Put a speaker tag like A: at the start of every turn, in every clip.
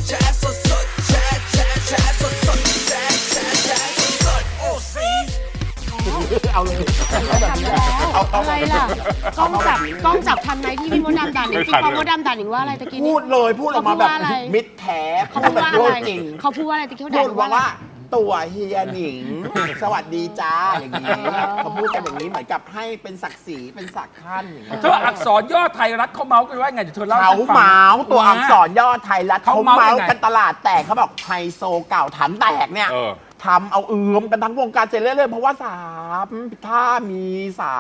A: แชร์สดสดแชร์แชร์แชร์สดสดแชร์แชร์แชร์สดสดโอ้ซี
B: เอาเลย
C: อะไรล่ะกล้องจับทันไหมที่พี่มดดำด่าหนิงจริงพอมดดำด่าหนิงว่าอะไรตะกี้
B: พู
C: นี้
B: ดเลยพูดออกมาแบบ
C: เขาพูดว่าอะไร
B: มิดแท้
C: เขา
B: พู
C: พู
B: ด
C: ด
B: แบบ
C: ว่า
B: พู
C: อะ
B: ด
C: ไร
B: จริง
C: เขาพูดว่าอะไรตะกี้เขา
B: พู
C: ด่า
B: ด
C: หนิงว่า
B: ว่า
C: อะไร
B: ตัวเฮียหนิง สวัสดีจ้าอย่างนี้เขาพูดกันอย่างนี้เหมือนกับให้เป็นศักดิ์ศรีเป็นศักดิ์ขั้นอย่างเงี้ย
D: เธออักษรย่อไทยรัฐเขาเมาส์กันว่าไงเดี๋ยวเธอเล่า
B: เขา
D: ให้ฉันฟัง
B: เมาส์ตัวอักษรย่อไทยรัฐ
D: เขา
B: เขา
D: เมาส์
B: เมาส์
D: ยังไง
B: กันตลาดแตกเขาบอกไฮโซเก่าถังแตกเนี่ย
E: เออ
B: ทำเอากันทั้งวงการเสร็จเรื่อยๆเพราะว่าถ้ามีสาม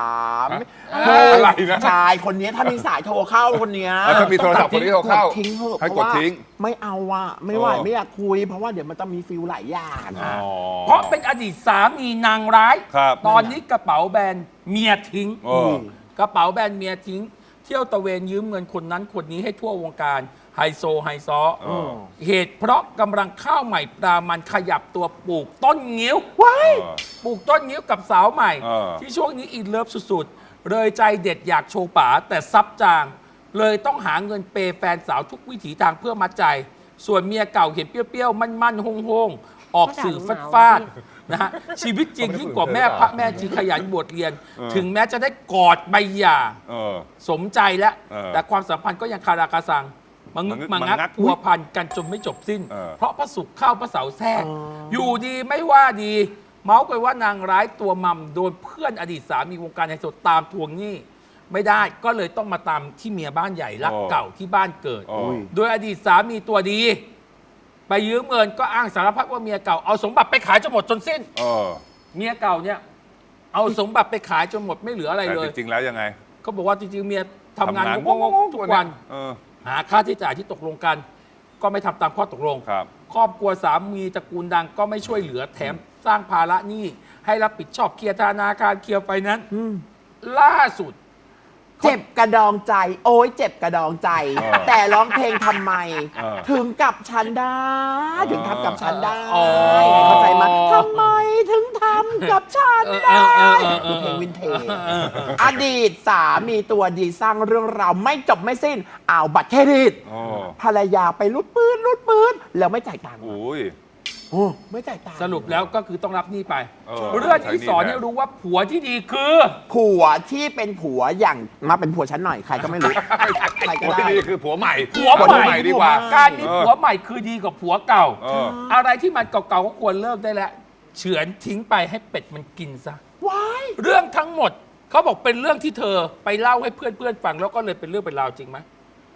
E: อะไรนะ
B: ชายคนนี้ถ้ามีสายโทรเข้าคนเนี้ย
E: ถ้ามีโทรศัพท์คนที่โทรเข้า
B: กดทิ้งเถอะ
E: ให้
B: เพ
E: ก
B: ราะ
E: ด
B: ว่า
E: ทิ้ง
B: ไม่เอาอะไม่ไหว
E: เออ
B: ไม่อยากคุย เพราะว่าเดี๋ยวมันจะมีฟิลหลายอย่าง
E: อ๋อ
D: เพราะเป็นอดีตสามีนางร้าย
E: ครับ
D: ตอนนี้กระเป๋าแบรนด์เมียทิ้ง
E: เออ
D: กระเป๋าแบรนด์เมียทิ้ง เที่ยวตะเวนยืมเงินคนนั้นคนนี้ให้ทั่ววงการไฮโซไฮซอ
E: เออ
D: เหตุเพราะกำลังข้าวใหม่ปลามันขยับตัวปลูกต้นงิ้ว
B: ว้าย
D: ปลูกต้นงิ้วกับสาวใหม่
E: เออ
D: ที่ช่วงนี้อินเลิฟสุดๆ เลยใจเด็ดอยากโชว์ป๋าแต่ซับจาง เลยต้องหาเงินเปย์แฟนสาวทุกวิถีทางเพื่อมัดใจ ส่วนเมียเก่าเห็นเปรี้ยวๆ มั่นๆโฮงๆ ออกสื่อฟาดๆนะฮะชีวิตจริงยิ่งกว่าแม่พระแม่จีขยันบวชเรียน ถึงแม้จะได้กอดใบหย่า
E: เออ
D: สมใจแล้ว
E: เออ
D: แต่ความสัมพันธ์ก็ยังคาราคาซังมังึก
E: มั
D: มั
E: ง
D: ง
E: งั
D: งั
E: ก
D: กพัวพันกันจนไม่จบสิ้น
E: เออ
D: เพราะพระศุกร์เข้าพระเสาร์แทรกอยู่ดีไม่ว่าดี เมาส์กันว่านางร้ายตัวมัมโดนเพื่อนอดีตสามีวงการไฮโซตามทวงหนี้ไม่ได้ก็เลยต้องมาตามที่เมียบ้านใหญ่รักเก่าที่บ้านเกิด
E: โอ้
D: โดยอดีตสามีตัวดี ไปยืมเงินก็อ้างสารพัดว่าเมียเก่าเอาสมบัติไปขายจนหมดจนสิ้น
E: เออ
D: เมียเก่าเนี่ยเอาสมบัติไปขายจนหมดไม่เหลืออะไร
E: แต่
D: เลย
E: จริงๆแล้วยังไง
D: เขาบอกว่าจริงๆเมียทำงาน
E: ทำงาน
D: งงๆทุกวัน
E: เออ
D: หาค่าใช้จ่ายที่ตกลงกัน ก็ไม่ทำตามข้อตกลง
E: ครับ
D: ครอบครัวสามีตระกูลดังก็ไม่ช่วยเหลือแถมสร้างภาระหนี้ให้รับผิดชอบเคลียร์ธนาคารเคลียร์ไฟแนนซ์ล่าสุด
B: เจ็บกระดองใจ โอ้ยเจ็บกระดองใจ
E: เออ
B: แต่ร้องเพลงทำไม
E: เออ
B: ถึงกับฉันได้ ถึงทำกับฉันได้
D: อ๋อ
B: เข้าใจไหมทำไมถึงทำกับฉันได้
D: เออ
B: เพลงวินเทจอดีตสามีตัวดีสร้างเรื่องราวไม่จบไม่สิ้นเอาบัตรเครดิต
E: โอ้
B: ภรรยาไปรูดปืนแล้วไม่จ่ายตังค์
E: อุ้ย
B: โอ้ไม่จ่ายตังค์
D: สรุปแล้วก็คือต้องรับหนี้ไป
E: เออ
D: เรื่องที่สอน
E: ใช้หนี้
D: ให้รู้ว่าผัวที่ดีคือ
B: ผัวที่เป็นผัวอย่างมาเป็นผัวฉันหน่อยใครก็ไม่รู้ ใครก็
E: ผัว
B: ได้
E: ที่ดีคือผัวใหม่
D: ผัวใหม่
E: ดีกว่า
D: การมีผัวใหม่คือดีกว่าผัวเก่า
E: เออ
D: อะไรที่มันเก่าๆก็ควรเลิกได้แล้วเฉือนทิ้งไปให้เป็ดมันกินซะ
B: ว้าย
D: เรื่องทั้งหมดเขาบอกเป็นเรื่องที่เธอไปเล่าให้เพื่อนๆฟังแล้วก็เลยเป็นเรื่องเป็นราวจริงไหม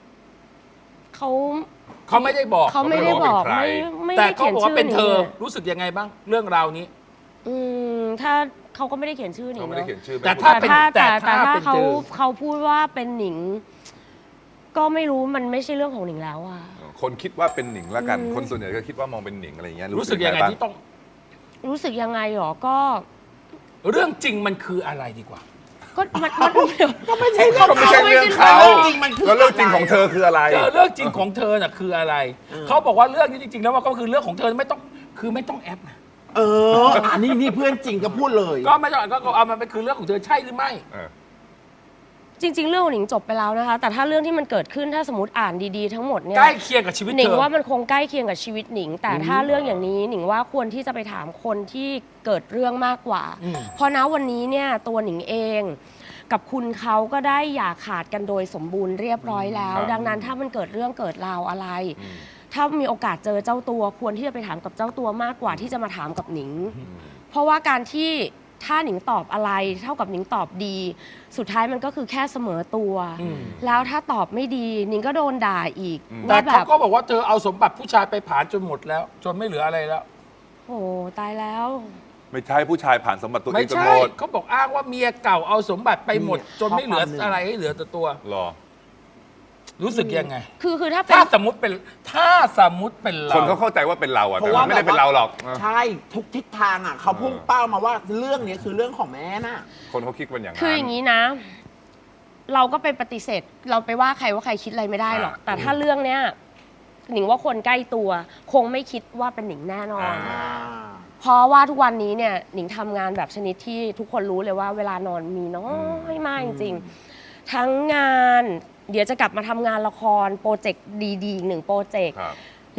C: เขา
D: ไม่ได้บอก
C: เขาไม่ได้บอก
E: เขาไม่
C: ไม่
D: แต่
C: ได้
D: เขา
C: เขียน
D: บอกว่า
C: ชื่อ
D: เป็น
C: หนิ
D: เธ
C: ง
D: อ
C: อะ
D: รู้สึกยังไงบ้าง เรื่องราวนี้
C: ถ้าเขาก็ไม่ได้เขียนชื่อหนิ
E: เขา
C: ง
E: ไม่ได้
C: เนาะ
E: เขียนชื่อ
D: แต่
E: เป็น
D: ถ้า
E: ผู้
D: เป็น
C: แต่
D: ถ้า
C: ถ้า
D: เป็น
C: เขา
D: เจอ
C: เขาพูดว่าเป็นหนิง ก็ไม่รู้มันไม่ใช่เรื่องของหนิงแล้วอะ
E: คนคิดว่าเป็นหนิงละกัน คนส่วนใหญ่ก็คิดว่ามองเป็นหนิงอะไรอย่างเงี้ย
D: รู้สึกยังไง
E: บ้า
D: ที่ต้อง
C: รู้สึกยังไงหรอก็
D: เรื่องจริงมันคืออะไรดีกว่า
C: ก็มันเดี๋ยว
B: ก็ไม่ใช่
E: ก็ไม่ใช่เรื่องเขา
B: เรื่องจริงมันคือ
E: แล้วเรื่องจริงของเธอคืออะไร
D: เรื่องจริงของเธอน่ะคืออะไร เขาบอกว่าเรื่องนี้จริงๆแล้วมันก็คือเรื่องของเธอไม่ต้องคือไม่ต้องแอปนะ
B: อันนี้เพื่อนจริงก็พูดเลย
D: ก็ไม่ต้องก็เอามันเป็นคือเรื่องของเธอใช่หรือไม่
E: เออ
C: จริง ๆ เรื่องของหนิงจบไปแล้วนะคะ แต่ถ้าเรื่องที่มันเกิดขึ้นถ้าสมมติอ่านดีๆทั้งหมดเนี่ย
D: ใกล้เคียงกับชีวิต
C: หนิ
D: เธ
C: ง
D: อ
C: ว่ามันคงใกล้เคียงกับชีวิตหนิง แต่ถ้าเรื่องอย่างนี้หนิงว่าควรที่จะไปถามคนที่เกิดเรื่องมากกว่า เพราะณวันนี้เนี่ยตัวหนิงเอง กับคุณเขาก็ได้อย่าขาดกันโดยสมบูรณ์เรียบร้อยแล้ว
E: ครับ
C: ดังนั้นถ้ามันเกิดเรื่องเกิดราวอะไร ถ้ามีโอกาสเจอเจ้าตัวควรที่จะไปถามกับเจ้าตัวมากกว่าที่จะมาถามกับหนิง เพราะว่าการที่ถ้าหนิงตอบอะไร เท่ากับหนิงตอบดี สุดท้ายมันก็คือแค่เสมอตัว แล้วถ้าตอบไม่ดีหนิงก็โดนด่าอีก
D: แต่
C: ว่าแบ
D: เขา
C: บ
D: ก็บอกว่าเธอเอาสมบัติผู้ชายไปผ่านจนหมดแล้ว จนไม่เหลืออะไรแล้ว
C: โอ้ตายแล้ว
E: ไม่ใช่ผู้ชายผ่านสมบัติตัวเอ
D: ไม่
E: งจน
D: ใช่
E: หมด
D: เขาบอกอ้างว่าเมียเก่าเอาสมบัติไปหมด จนไม่เหลืออะไรให้เหลือแต่ตัว
E: หรอ
D: รู้สึกยังไง
C: คือถ้าเป็น
D: ถ้าสมมติเป็นเรา
E: คนเขาเข้าใจว่าเป็นเราอะ
B: เพ
E: แต่
B: ราะว่า
E: มันไม่ได้เป็นเราหรอก
B: ใช่ทุกทิศทางอ่ะเขาพุ่งเป้ามาว่าเรื่องนี้คือเรื่องของแม่น่ะ
E: คนเขาคิดเป็นอย่างนั้น
C: คืออย่างนี้นะ เราก็ไปปฏิเสธ เราไปว่าใครว่าใครคิดอะไรไม่ได้หรอก แต่ถ้าเรื่องเนี้ยหนิงว่าคนใกล้ตัว คงไม่คิดว่าเป็นหนิงแน่นอน เพราะว่าทุกวันนี้เนี่ยหนิงทำงานแบบชนิดที่ทุกคนรู้เลยว่าเวลานอนมีน้อยมากจริงๆทั้งงาน เดี๋ยวจะกลับมาทำงานละครโปรเจกต์ดีๆอีกหนึ่งโปรเจกต์
E: ครับ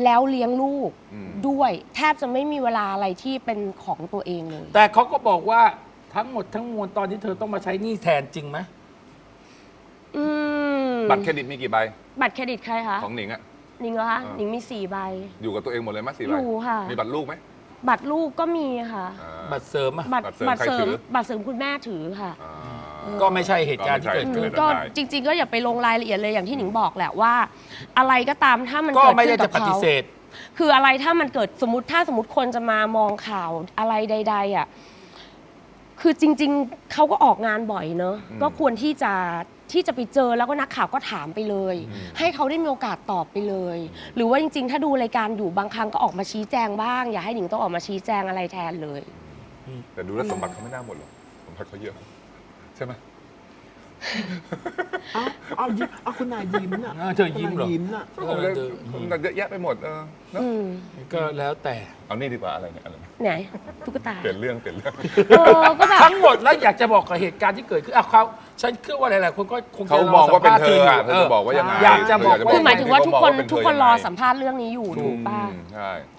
C: แล้วเลี้ยงลูก
E: อืม
C: ด้วยแทบจะไม่มีเวลาอะไรที่เป็นของตัวเองเลย
D: แต่เขาก็บอกว่าทั้งหมดทั้งมวลตอนที่เธอต้องมาใช้หนี้แทนจริงไหม
C: อืม
E: บัตรเครดิตมีกี่ใบ
C: บัตรเครดิตใครคะ
E: ของหนิงอะ
C: หนิงเหรอคะ
E: อ่า
C: หนิงมี4 ใบ
E: อยู่กับตัวเองหมดเลยมั้ย4 ใบ
C: อยู่ค่ะ
E: มีบัตรลูกไหม
C: บัตรลูกก็มีค่ะ
E: อ่า
D: บัตรเสริมอะ
C: บัตร
E: บัตรเสริมใครถือ
C: บัตรเสริมคุณแม่ถือค่ะ
E: อ่า
D: ก็ไม่ใช่เหตุการณ์ที่เกิด
E: ก็
D: ขึ้
E: ไม่
D: น
E: ใช่
C: ก็จริง ๆ ก็อย่าไปลงรายละเอียดเลยอย่างที่หนิงบอกแหละว่า อะไรก็ตามถ้ามัน
D: ก็
C: เกิด
D: ไม่
C: ขึ้
D: ได้
C: นกั
D: จะ
C: บ
D: ปฏิ
C: เขา
D: เสธ
C: คืออะไรถ้ามันเกิดสมมติคนจะมามองข่าวอะไรใดๆอ่ะคือจริง ๆเขาก็ออกงานบ่อยเนอะก็ควรที่จะไปเจอแล้วก็นักข่าวก็ถามไปเลย ให้เขาได้มีโอกาสตอบไปเลย หรือว่าจริง ๆ ถ้าดูรายการอยู่บางครั้งก็ออกมาชี้แจงบ้าง อย่าให้หนิงต้องออกมาชี้แจงอะไรแทนเลย
E: แต่ดูแล้วสมบัติเขาไม่น่าหมดหรอกสมบัติเขาเยอะใช่ไหม
B: เอายิ้มเอาคุณนายยิ้มน่ะ
D: เธอยิ้มเหรอ
B: คุณนายยิ้มน่ะ
E: ผมเลยมันเยอะแยะไปหมดเนอะ
C: อืม
D: ก็แล้วแต่
E: เอานี่ดีกว่าอะไรเนี่ยอะไรเนี่ย
C: ไหนตุ๊กตา
E: เปลี่ยนเรื่อง
C: ก็แบบ
D: ทั้งหมดแล้วอยากจะบอกกับเหตุการณ์ที่เกิดขึ้นเขาฉันเชื่อว่าหลายๆคนก็คงจะ
E: เขา
D: ร
E: มองว่าเป็นเธอ
D: สัมภษณ์
E: อะเธอจะบอกว่ายังไง
D: อยากจะบอก
E: เธ
D: ว่า
C: คือหมายถึงว่าทุกคน
E: เขมองว่าเป็
C: ทุกคนรอ
E: เธยังไง
C: สัมภาษณ์เรื่องนี้อยู่ถูกป่ะ
E: ใช่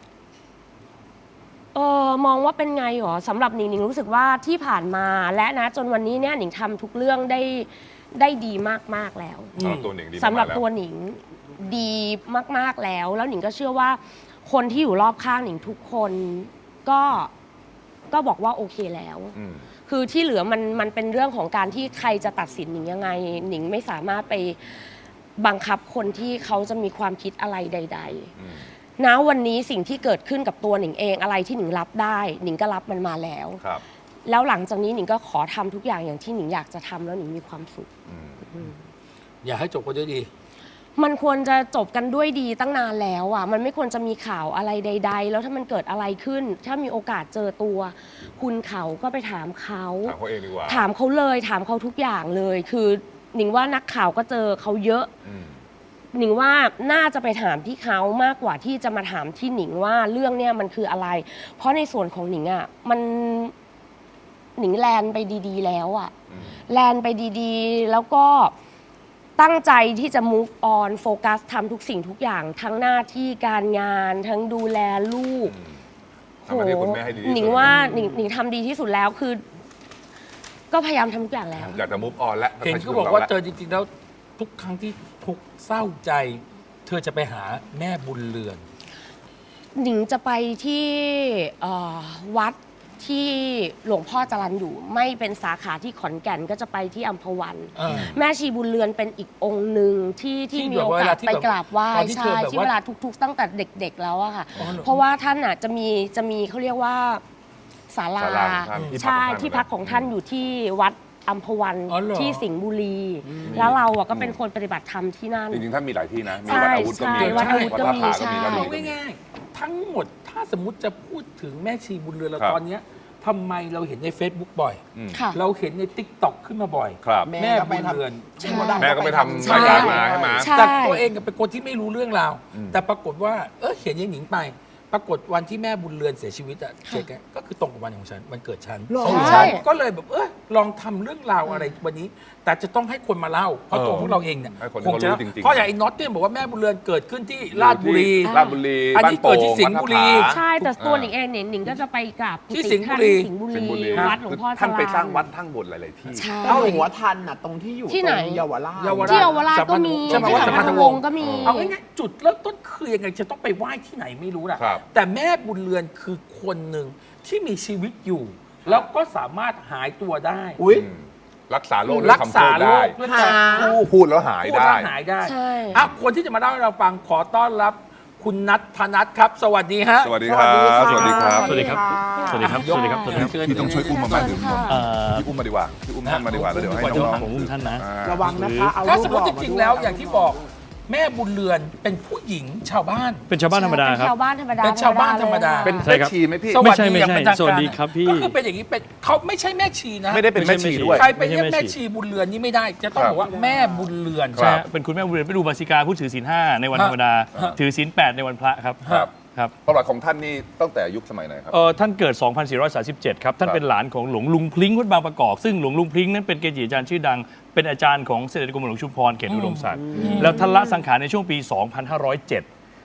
C: มองว่าเป็นไงหรอสำหรับหนิงหนิงรู้สึกว่าที่ผ่านมาและนะจนวันนี้เนี่ยหนิงทำทุกเรื่องได้ดีมากๆแล้ว
E: สำหรับตัวหนิงดี
C: สำหรับ
E: มากๆ
C: ตัวหนิงดีมากๆแล้วหนิงก็เชื่อว่าคนที่อยู่รอบข้างหนิงทุกคนก็บอกว่าโอเคแล้ว
E: อืม
C: คือที่เหลือมันเป็นเรื่องของการที่ใครจะตัดสินหนิงยังไงหนิงไม่สามารถไปบังคับคนที่เขาจะมีความคิดอะไรใด
E: อืม
C: ๆ ณ วันนี้สิ่งที่เกิดขึ้นกับตัวหนิงเองอะไรที่หนิงรับได้หนิงก็รับมันมาแล้ว
E: ครับ
C: แล้วหลังจากนี้หนิงก็ขอทำทุกอย่างอย่างที่หนิงอยากจะทำแล้วหนิงมีความสุข
D: อยากให้จบกันด้วยดี
C: มันควรจะจบกันด้วยดีตั้งนานแล้วอ่ะมันไม่ควรจะมีข่าวอะไรใด ๆ แล้วถ้ามันเกิดอะไรขึ้น ถ้ามีโอกาสเจอตัว คุณเขาก็ไปถามเขา
E: ถามเขาเองดีกว่า
C: ถามเขาเลยถามเขาทุกอย่างเลย คือหนิงว่านักข่าวก็เจอเขาเยอะ
E: อืม
C: หนิงว่าน่าจะไปถามที่เขามากกว่าที่จะมาถามที่หนิงว่าเรื่องเนี้ยมันคืออะไร เพราะในส่วนของหนิงอ่ะมันหนิงแลนไปดีๆ แล้วอ่ะ แลนไปดีๆ แล้วก็ตั้งใจที่จะ move on โฟกัสทำทุกสิ่งทุกอย่างทั้งหน้าที่การงานทั้งดูแลลูก
E: ทำหน้าที่คุณแม่ให้ดีที่สุด
C: หนิงว่าหนิงทำดีที่สุดแล้วคือ ก็พยายามทำทุกอย่างแล้ว
E: อยากจะ move on แล้ว
D: เห็นก็บอกว่าเธอจริงๆแล้วทุกครั้งที่ทุกข์เศร้าใจ เธอจะไปหาแม่บุญเรือน
C: หนิงจะไปที่วัดที่หลวงพ่อจรัญอยู่ไม่เป็นสาขาที่ขอนแก่นก็จะไปที่อัมพวัน
D: เออ
C: แม่ชีบุญเรือนเป็นอีกองค์หนึ่งที่
D: ที่
C: มีโอกาส
D: แบบว่าเวลาที่
C: ไปกราบไหว้
D: ตอนที่เธอ
C: ใช่
D: แบบ
C: ที่
D: ว่า
C: เวลาทุกๆ ตั้งแต่เด็กๆแล้วอะค่ะ
D: อ๋อเหรอ
C: เพราะว่าท่านอะจะมีเขาเรียกว่าศาลา
E: ศาลาของท่าน
C: ใช่ที่พักของท่านอยู่ที่วัดอัมพวัน
D: อ๋อเหรอ
C: ที่สิงห์บุรี แล้วเราอะก็เป็นคนปฏิบัติธรรมที่นั่น
E: จริงๆท่านมีหลายที่นะ มี
C: ใช่
E: วัดอาวุธก็มี
C: ใช่วัดอาวุธก็มี
E: วัดท่าผาก็มี
C: ใช่
E: วัด
D: เอา
E: มีก็มี
D: ง่ายๆทั้งหมดถ้าสมมุติจะพูดถึงแม่ชีบุญเรือนเรา
E: ครับ
D: ตอนเนี้ยทำไมเราเห็นใน Facebook บ่อย
E: อืม
C: ค่ะ
D: เราเห็นใน TikTok ขึ้นมาบ่อย
E: ครับ
D: แม่บุญเรือน
C: ใช่
E: แม่ก็ไปทำ
C: ใช่
E: รายการมาใช่ไหม
C: ใช่
D: แต่ตัวเองเป็นคนที่ไม่รู้เรื่องราว
E: อืม
D: แต่ปรากฏว่าเห็นยายหนิงไป ปรากฏวันที่แม่บุญเรือนเสียชีวิตอะเจ๊แกก็คือตรงกับวันของฉันวันเกิดฉัน
B: หรอ
C: ใช่
D: ก็เลยแบบลองทำเรื่องราวอะไรวันนี้ แต่จะต้องให้คนมาเล่า เพราะตัวพวกเราเองเนี่ย
E: ให้คน
D: คงจะ
E: เขารู้จริงๆ
D: เพราะอย่างไอ้น็อตเนี่ยบอกว่าแม่บุญเรือนเกิดขึ้นที่ราชบุรี
E: ราชบุรี
D: อันนี้
E: บ้าโป่ง
D: เกิดที่สิงห์บุรี
E: วัดท่าผา
C: ใช่แต่ตัวหนิงเองเนี่ยหนิงก็จะไปกราบกุ
D: ที่
C: ฏิ
D: สิงห์บุ
C: ท่าน
D: รี
C: ที่สิงห์บุ
E: สิงห์บุรี
C: รีวัดหลวงพ่อจ
E: ท่านไปสร้าง
C: รัญ
E: วัดทั้งหมดหลายๆที่
C: ใช่
B: เอาหัวทันน่ะตรงที่อยู่
C: ที่ไหน
B: ตรงเยาวราช
D: เยาวราช
C: ที่เยาวราชก็มี
D: ใช่ไหม
C: ที่
D: ว่า
C: สั
D: สั
C: ม
D: มพั
C: พัน
D: นธ
C: ธ
D: ว
C: ว
D: ง
C: ง
D: ศ์
C: ศ์ก็มี
D: เอาง่ายๆจุดเริ่มต้นคือยังไงจะต้องไปไหว้ที่ไหนไม่รู้นะครับ แต่แม่บุญเรือนคือคนหนึ่งที่มีชีวิตอยู่ แล้วก็สามารถหายตัวได้
B: อุ้ย
E: อืมรักษาโรคด้ว
D: รั
E: ย
D: ก
E: คำ
D: ษา
E: พูด
D: โร
E: ได้
D: คด้วยการ
E: พูดแล้วหาย
D: พูด
E: ได้
D: แล้วหายได้
C: ใช่
D: คนที่จะมาเล่าให้เราฟังขอต้อนรับคุณนัทธนัทครับ สวัสดีฮะ
E: สวัสดีครับ สวัสดีครับ
F: สวัสดีครับ สวัสดีครับ สวัสดีครับ สวัสดีครับ
E: พี่ต้องช่วยอุ้มมาบ้างถึงผม
F: เอ่อ
E: พี่อุ้มมาดีกว่าพี่อุ้มท่านมาดีกว่าแล้วเดี๋ยวให้น้อง
F: ผมอุ้มท่านนะ
B: ระวังนะคะเอา
D: ถ้า
B: ลู
D: ส
B: ก
D: ม
B: ห
D: ม
B: ล่
D: ติ
B: อ
D: จ
B: มา
D: ริง
B: ด้วย
D: ๆแล้วอย่างที่บอกแม่บุญเรือนเป็นผู้หญิงชาวบ้าน
F: เป็นชาวบ้านธรรมดาครับ
C: ชาวบ้านธรรมดา
D: เป็นชาวบ้านธรรมดา
E: เป็น
F: ใช่
E: แม่
F: ครับ
E: ชีไหมพี่
D: สวัสดี
F: ไม่
D: อย่าง
F: ใช่
D: เป็นทาง
F: สวั
D: การ
F: สดีครับพี่
D: ก็คือเป็นอย่างนี้เป็นเขาไม่ใช่แม่ชีนะ
E: ไม่ได้เป็นแม่ชีด้วย
D: ใครไปเรียก
F: ไม่ใช่แม่
D: แม่
F: ชี
D: ชีบุญเรือนนี่ไม่ได้ จะต้องบอกว่าแม่บุญเรือน
E: ค
F: ใช่
E: รับ
F: ฮะเป็นคุณแม่บุญเรือนไปดูบาสิกาผู้ถือศีล5ในวันธรรมดา
D: ฮะ
F: ถือศีล8ในวันพระครับ
E: ครับ
F: ครับ
E: ประวัติของท่านนี่ตั้งแต่ยุคสมัยไหนครับ
F: ท่านเกิด 2437 ครับ ท่าน
E: ครับ
F: เป็นหลานของหลวงลุงพลิ้งวัดบางประกอบ ซึ่งหลวงลุงพลิ้งนั้นเป็นเกจิอาจารย์ชื่อดัง เป็นอาจารย์ของเสด็จกรมหลวงชุมพรเขตอุดมศักดิ์ แล้วท่านละสังขารในช่วงปี 2507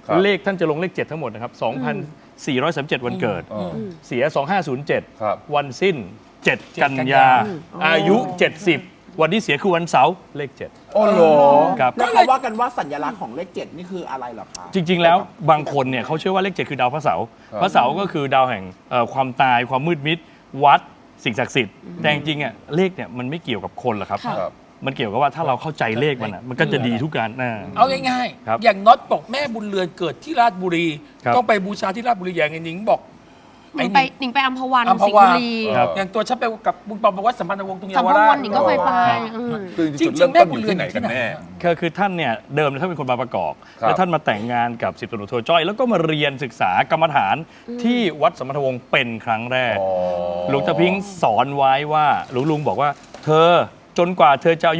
E: ครับ
F: เลขท่านจะลงเลข 7 ทั้งหมดนะครับ 2,437 วันเกิด
E: อ๋อ
F: เสีย 2507
E: ครับ
F: วันสิ้น 7 กันยา อายุ 70 วันที่เสียคือวันเสาร์เลข 7
E: โอ้โห
F: ครับ
B: แล้วเขาว่ากันว่าสัญลักษณ์ของเลข 7 นี่คืออะไรเหรอคะ
F: จริง ๆ แล้วบางคนเนี่ยเขาเชื่อว่าเลข 7 คือดาวพระเสาร์
E: ครับ
F: พระเสาร์ก็คือดาวแห่งความตายความมืดมิดวัดสิ่งศักดิ์สิทธิ์แต่จริงๆอ่ะเลขเนี่ยมันไม่เกี่ยวกับคนหรอกครับ
C: ค่ะ
E: ครับ
F: มันเกี่ยวกับว่าถ้าเราเข้าใจเลขมันอ่ะมันก็จะดีทุกการนะ
D: เอาง่าย
F: ครับ
D: ๆ อย่างน็อตบอกแม่บุญเรือนเกิดที่ราชบุรี
F: ครับ
D: ต้องไปบูชาที่ราชบุรีอย่างไอ้หนิงบอก
C: หนิงไปหนิงไปอัมพวัน
D: อัมพ
C: สิงห์
D: วา
C: บุรี
F: ครับ
D: อย่างตัวฉันไปกับบุญปองบอกว่าสัมพันธวงศ์ตรงเยา
C: สัม
D: ว
C: พ
D: รา
C: วั
D: ช
C: นหนิงก็เคยไป
E: คือ
D: จริ
E: จุ
D: ง
E: ด
D: ๆ
E: เริ่ม
D: แม่
E: ต้น
D: บุ
E: อ
D: ญ
E: ยู่
D: เรือน
E: ที่ไหนกันแน่
F: คือท่านเนี่ยเดิมท่านเป็นคนบางประกอบ
E: ครับ
F: แล้วท่านมาแต่งงานกับ10ตำรวจโทจ้อย แล้วก็มาเรียนศึกษากรรมฐานที่วัดสมรวงศ์เป็นครั้งแรก
E: อ๋อ
F: หลวงตาพิงค์สอนไว้ว่าหลวงลุงบอกว่า เธอจนกว่าเธอจะอายุ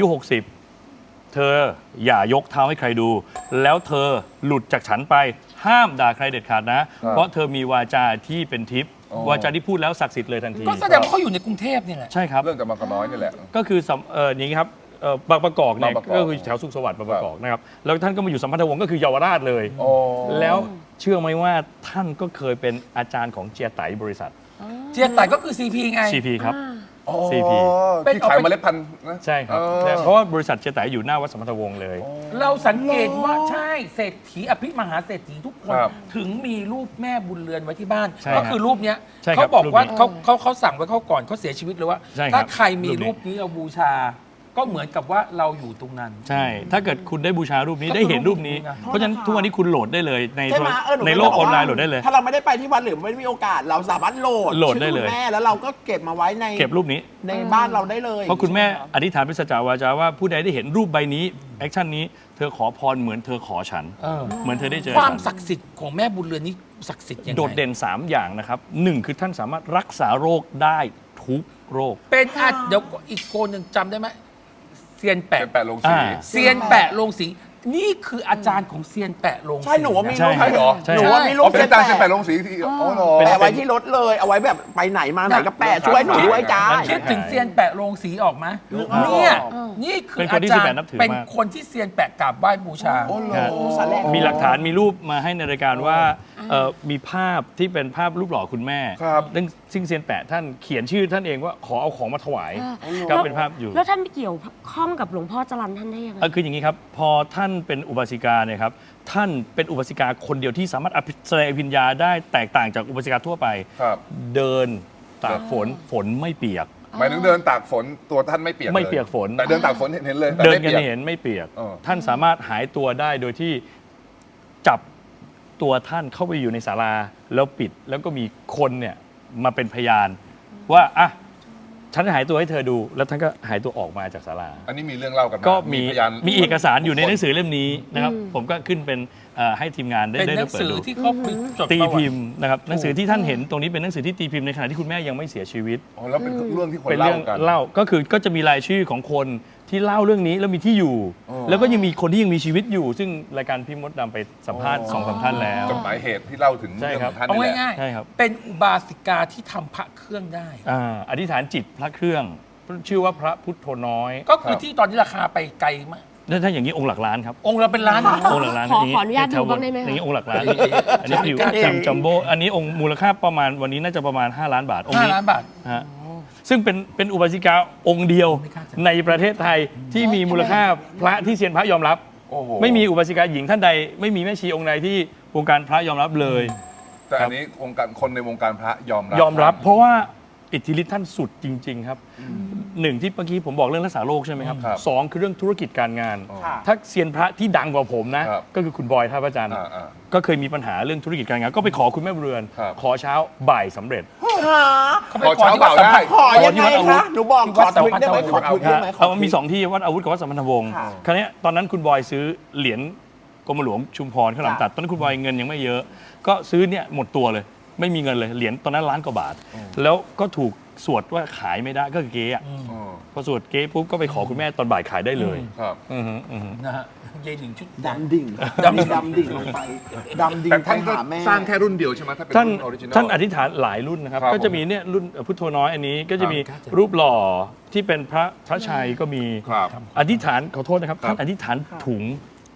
F: 60 เธออย่ายกเท้าให้ใครดู แล้วเธอหลุดจากฉันไปห้ามด่าใครเด็ดขาดนะ เพราะเธอมีวาจาที่เป็นทิพย์
E: อ๋อ
F: วาจาที่พูดแล้วศักดิ์สิทธิ์เลยทันที
D: ก็แสดงว่าเขาอยู่ในกรุงเทพนี่แหละ
F: ใช่ครับ
E: เรื่องจากบางกะน้อยนี่แหละ
F: ก็คืออย่างนี้ครับบางประกอบเนี่ย
E: บางประกอบ
F: ก็คือแถวสุขสวัสดิ์บางประกอบนะครับแล้วท่านก็มาอยู่สัมพันธวงศ์ก็คือเยาวราชเลย
E: โอ้
F: แล้วเชื่อไหมว่าท่านก็เคยเป็นอาจารย์ของเจียไตบริษัท
D: เจียไต่ก็คือ CP ไง
F: CP ครับ
E: อ๋อ
F: CP
E: ที่ขายเมล็ดพันธุ์นะ
F: ใช่ครับ
E: เออ
F: เพราะว่าบริษัทเจียไตอยู่หน้าวัดสัมพันธวงศ์เลย
D: เราสังเกตว่าใช่เศรษฐีอภิมหาเศรษฐีทุกคน
E: ครับ
D: ถึงมีรูปแม่บุญเรือนไว้ที่บ้าน
F: ใช่
D: ก็
F: ครับ
D: คือรูปเนี้ย
F: ใช่ครับ
D: เขาบอกว่า
F: รูปนี้
D: เขาสั่งไว้เขาก่อนเขาเสียชีวิตเลยว่า
F: ใช่ครับ
D: ถ้าใครมี
F: รู
D: รู
F: ป
D: ป
F: นี้
D: นี้เราบูชา ก็เหมือนกับว่าเราอยู่ตรงนั้น
F: ใช่ ถ้าเกิดคุณได้บูชารูปนี้
D: ก็คือ
F: ได้เห็นรูปนี้
D: รูปนี้นะ
F: เพราะฉะนั้นทุกวันนี้คุณโหลดได้เลยใน
B: ใช่ไหมห
F: ในโลกออนไลน์โหลดได้เลย
B: ถ้าเราไม่ได้ไปที่วัดหรือไม่มีโอกาส เราสามารถโหลด
F: โหลดได้เลย
B: ชื่อคุณแม่แล้วเราก็เก็บมาไว้ใน
F: เก็บรูปนี้
B: ในบ้านเราได้เลย
F: เพราะคุณแม่อธิษฐานเป็นสัจจาวาจาว่าผู้ใดได้เห็นรูปใบนี้แอคชั่นนี้เธอขอพรเหมือนเธอขอฉัน เหมือนเธอได้เจอ
D: ความ
F: ฉัน
D: ศักดิ์สิทธิ์ของแม่บุญเรือนนี้ศักดิ์สิทธิ์ยังไง
F: โดดเด่น 3 อย่างนะครับหนึ่งคือท่านสามารถรักษาโรคได้ทุกโรค
D: เป็นเดี๋ยวอีกโกนหนึ่งจำได้ไหมเซียนแปะ
E: เป็นแปะลงสี
F: อ่า
D: เซียนแปะลงสีนี่คืออาจารย์ของเซียนแปะลงสี
B: ใช่หนูว่ามี
F: ใช่
B: รูป
E: ใช่เหรอ
F: ใช่
B: หนูว่ามีรู
E: อ๋อ
B: ป
E: เป็นอาจารย์เส้นแปะลงสีที่อ๋อเหรอ
B: แปะไว้ที่รถเลย เอาไว้แบบไปไหนมาไหนก็แปะช่วยหนูด้วยจ้า
D: คิดถึงเซียนแปะโรงสีออกไหมเนี่ยนี่คือ
F: เป็นค
D: อาน
F: ที่
D: จาร
F: เซียนแปะ
D: ย์
F: นับถือ
D: เป็น
F: มาก
D: คนที่เซียนแปะกราบไหว้บูชา
E: โอ้เหรอ
B: สารแรก
F: มีหลักฐานมีรูปมาให้ในรายการว่ามีภาพที่เป็นภาพรูปหล่อคุณแม่
E: ครับ
F: ซึ่งเซียนแปะท่านเขียนชื่อท่านเองว่าขอเอาของมาถวายก็เป็นภาพอยู่
C: แล้วท่านไปเกี่ยวข้องกับหลวงพ่อจรัญท่านได้ยังไง
F: คืออย่างนี้ครับ พอท่านเป็นอุบาสิกาเนี่ยครับท่านเป็นอุบาสิกาคนเดียวที่สามารถแสดงอภิญญาได้แตกต่างจากอุบาสิกาทั่วไป
E: ครับ
F: เดินตากฝนฝนไม่เปียก
E: หมายถึงเดินตากฝนตัวท่านไม่เปียก
F: ไม่เปียกฝน
E: แต่เดินตากฝนเห็นเลยแต่
F: เดิน
E: ไม่
F: กัน
E: ปีย
F: เห็นไม่เปียก
E: เออ
F: ท่านสามารถหายตัวได้โดยที่จับตัวท่านเข้าไปอยู่ในศาลาแล้วปิดแล้วก็มีคนเนี่ยมาเป็นพยาน ว่าอ่ะฉันจะหายตัวให้เธอดู แล้วท่านก็หายตัวออกมาจากศาลา
E: อันนี้มีเรื่องเล่ากันมา
F: ก็มี
E: พยาน
F: มีเอกสารอยู่ในหนังสือเล่มนี้นะครับ ผมก็ขึ้นเป็นให้ทีมงานได้
D: เป็น
F: ได้
D: หนัง
F: เปิด
D: สือ
F: ดู
D: ที่เขาจด
F: ตี
D: ประวั
F: พิ
D: ติ
F: มพ์นะครับหนังสือที่ท่านเห็นตรงนี้เป็นหนังสือที่ตีพิมพ์ในขณะที่คุณแม่ยังไม่เสียชีวิต
E: อ๋อแล้วเป็นเรื่องที่คน
F: เป็น
E: เล่า
F: เรื่อง
E: กัน
F: เล่าก็คือก็จะมีรายชื่อของคนที่เล่าเรื่องนี้แล้วมีที่อยู่
E: อ๋อ
F: แล้วก็ยังมีคนที่ยังมีชีวิตอยู่ ซึ่งรายการพี่มดดำไปสัมภาษณ์
E: อ๋อ
F: 2-3 ท่านแล้ว
E: จดหมายเหตุที่เล่าถึง
F: ใช่
E: เรื่อง
F: ครั
E: ข
F: บ
E: องท่าน
D: เอา
E: นี่แหละ
D: ง่าย
F: ใช่ครับ
D: ๆเป็นอุบาสิกาที่ทำพระเครื่องได้
F: อธิษฐานจิตพระเครื่อง ชื่อว่าพระพุทโธน้อย
D: ก็คือที่ตอนนี้ราคาไปไกลมาก
F: ถ้าอย่างนี้องค์หลักล้านครับ
D: องค์เราเป็นล้าน
F: องค์หลักล้าน
C: ขอ
F: นี้
C: ขออนุญาต
F: แถว
C: ดูบ้างได้ไหมคะ
F: อย่างนี้องค์หลักล้านอันนี้อยู่จัมโบ้อันนี้องค์มูลค่าประมาณวันนี้น่าจะประมาณ5 ล้านบาทองค์นี้
D: 5 ล้านบาท
F: ฮะซึ่งเป็นอุบาสิกาองค์เดียว
D: ไม่กล้าจะ
F: ในประเทศไทยที่มีมูลค่าพระที่เซียนพระยอมรับ
E: โอ้โห
F: ไม่มีอุบาสิกาหญิงท่านใด ไม่มีแม่ชีองค์ใดที่วงการพระยอมรับเลย
E: แต่อันนี้วงการคนในวงการพระยอมรับ
F: ยอมรับ เพราะว่าอิทธิฤทธิ์ท่านสุดจริง ๆ ครับหนึ่งที่เมื่อกี้ผมบอกเรื่องรักษาโรคใช่ไหมครับ
E: ครับ
F: สองคือเรื่องธุรกิจการงาน
B: ค่ะ
F: ถ้าเซียนพระที่ดังกว่าผมนะ
E: ครับ
F: ก็คือคุณบอยท่าพระจันทร์
E: อ่า
F: ก็เคยมีปัญหาเรื่องธุรกิจการงาน ก็ไปขอคุณแม่บุญเรือน
E: ครับ
F: ขอเช้าบ่ายสำเร็จ
D: เขาไป
E: ขอเช้า
D: ที่
E: เปล่า
D: วัดสัม
E: ได้
D: พันธ์
B: ขอยังไงคะหนูบอกขอทวิตได้ไหมขอทวิตได้ไหมขอ
F: เอามันมีสองที่วัดอาวุธกับวัดสัมพันธวงศ์
B: ค่ะ
F: คราวเนี้ยตอนนั้นคุณบอยซื้อเหรียญกรมหลวงชุมพรข้าวหลามตัด ตอนนั้นคุณบอยเงินยังไม่เยอะ ก็ซื้อเนี่ยหมดตัวเลย ไม่มีเงินเลย เหรียญตอนนั้นล้านกว่าบาท แล้วก็ถูกสวดว่าขายไม่ได้ ก็คือเก๊อะ
E: อ๋อ
F: พอสวดเก๊ปุ๊บก็ไปขอคุณแม่ตอนบ่ายขายได้เลย
E: ครับ
F: อือฮึอือฮึ
D: นะฮะยายหนิงชุด
B: ดำดิ่งดำดิ่งลงไปดำดิ่ง
E: แต่
B: ไป
E: ท่านก็
B: หาแม่
E: สร้างแค่รุ่นเดียวใช่ไหมถ้าเป็น
F: ท่าน
E: รุ่นออริจินอล
F: ท่านอธิษฐานหลายรุ่นนะครับ
E: ครับ
F: ก็จะมีเนี่ยรุ่นพุทโธน้อยอันนี้ก็จะมีรูปหล่อที่เป็นพระชัยก็มี
E: ครับ
F: อธิษฐานขอโทษนะครับ
E: ครับ
F: ท่านอธิษฐานถุง